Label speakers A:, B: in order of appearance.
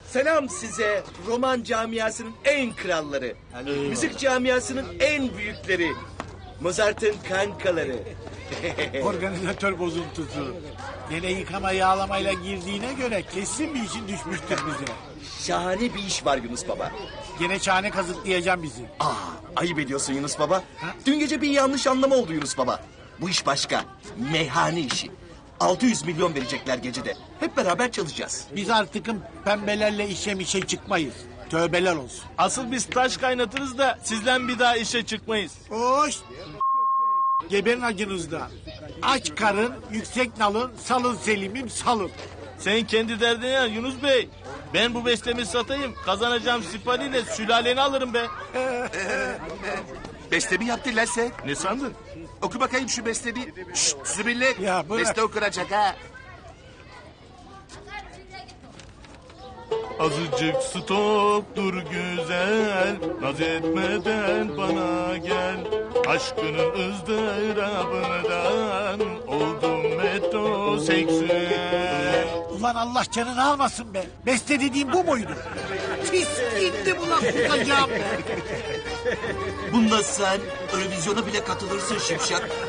A: Selam size roman camiasının en kralları. Müzik camiasının en büyükleri. Mozart'ın kankaları.
B: Organizatör bozuntusu. Gene yıkama yağlamayla girdiğine göre kesin bir işin düşmüştür bize.
A: Şahane bir iş var Yunus Baba.
B: Gene çane kazıklayacağım bizi.
A: Ayıp ediyorsun Yunus Baba. Dün gece bir yanlış anlama oldu Yunus Baba. Bu iş başka. Meyhane işi. 600 milyon verecekler gecede. Hep beraber çalışacağız.
B: Biz artıkın pembelerle işe çıkmayız. Tövbeler olsun.
C: Asıl biz taş kaynatırız da sizden bir daha işe çıkmayız.
B: Hoş. Geberin acınızda. Aç karın, yüksek nalın, salın Selim'im salın.
C: Sen kendi derdine yan Yunus Bey. Ben bu bestemi satayım. Kazanacağım sipariyle sülaleni alırım be.
D: Bestemi yaptın lan sen.
C: Ne sandın?
D: Oku bakayım şu bestemi. Şşt zibirlik.
B: Ya bırak.
D: Beste okunacak ha.
C: Azıcık stoptur güzel. Naz etmeden bana gel. Aşkının ızdırabından oldum metroseksüel.
B: Ulan Allah canını almasın be. Beste dediğim bu muydu? Pislikti bu lan tutacağım be.
A: Bunda sen Eurovizyona bile katılırsın Şipşak.